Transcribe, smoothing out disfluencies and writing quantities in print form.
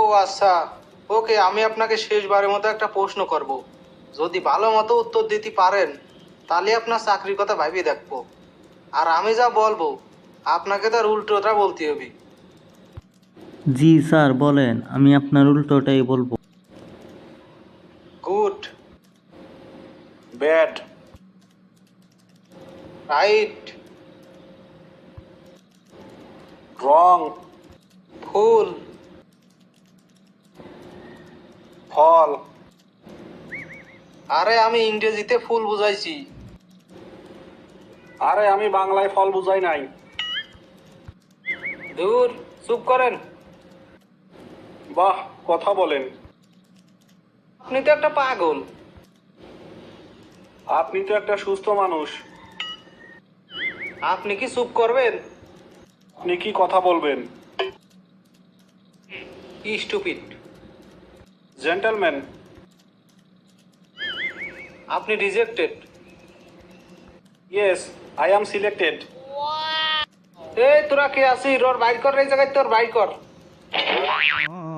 আচ্ছা, ওকে, আমি আপনাকে শেষবারের মতো একটা প্রশ্ন করব। যদি ভালো মতো উত্তর দিতে পারেন তাহলে আপনার চাকরির কথা ভাবিয়ে দেখবো। আর আমি যা বলবো আপনাকে তার উল্টোটা বলতে হবে। জি স্যার বলেন, আমি আপনার উল্টোটাই বলবো। গুড, ব্যাড, রাইট, রং, ফুল, ফল। আরে আমি ইংরেজিতে ফুল বুঝাইছি। আরে আমি বাংলায় ফল বুঝাই নাই। দূর, চুপ করেন। বাহ, কথা বলেন। আপনি তো একটা পাগল। আপনি তো একটা সুস্থ মানুষ। আপনি কি চুপ করবেন? আপনি কি কথা বলবেন? স্টুপিড। জেন্টলম্যান। আপনি rejected. Yes, I am selected. এই তোরা কে আছিস? ওর বাইর কর, এই জায়গায় তোর বাইর কর।